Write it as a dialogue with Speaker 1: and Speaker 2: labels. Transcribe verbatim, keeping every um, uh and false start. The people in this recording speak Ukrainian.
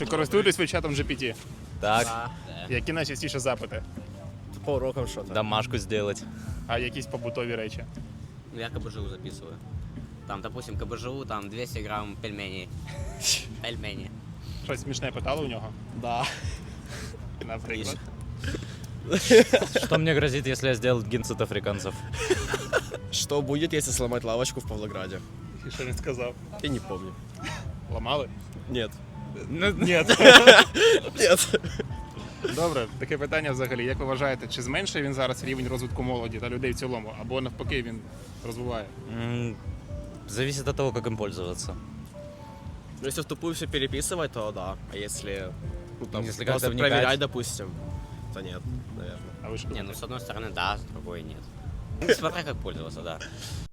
Speaker 1: Ви користуєтесь ви чатом джі пі ті?
Speaker 2: Так,
Speaker 3: Да.
Speaker 1: Які найчастіше запити?
Speaker 4: По урокам что-то.
Speaker 2: домашку сделать.
Speaker 1: А якісь побутові речі?
Speaker 3: Ну, я КБЖУ записываю. Там, допустим, КБЖУ, там двести грамм пельменей. Пельмени.
Speaker 1: Щось смішне питали у нього?
Speaker 4: Да.
Speaker 1: Наприклад.
Speaker 2: Что мне грозит, если я сделал геноцид африканцев?
Speaker 4: Что будет, если сломать лавочку в Павлограде?
Speaker 1: І що він сказав?
Speaker 4: Я не помню.
Speaker 1: Ламали?
Speaker 4: Нет.
Speaker 1: Ні.
Speaker 4: Нет.
Speaker 1: Добре, таке питання взагалі. Як ви вважаєте, чи зменшує він зараз рівень розвитку молоді та людей в цілому? Або навпаки він розвиває?
Speaker 2: М, Зависит от того, как им пользоваться.
Speaker 4: Ну, если в тупую все переписывать, то да. А если, ну, там,
Speaker 2: Если
Speaker 4: просто
Speaker 2: как-то вникать.
Speaker 4: проверять, допустим, то нет, наверное.
Speaker 1: А ви що
Speaker 3: Не, ну
Speaker 1: думаєте?
Speaker 3: с одной стороны, да, с другой нет. Ну, смотря как пользоваться, да.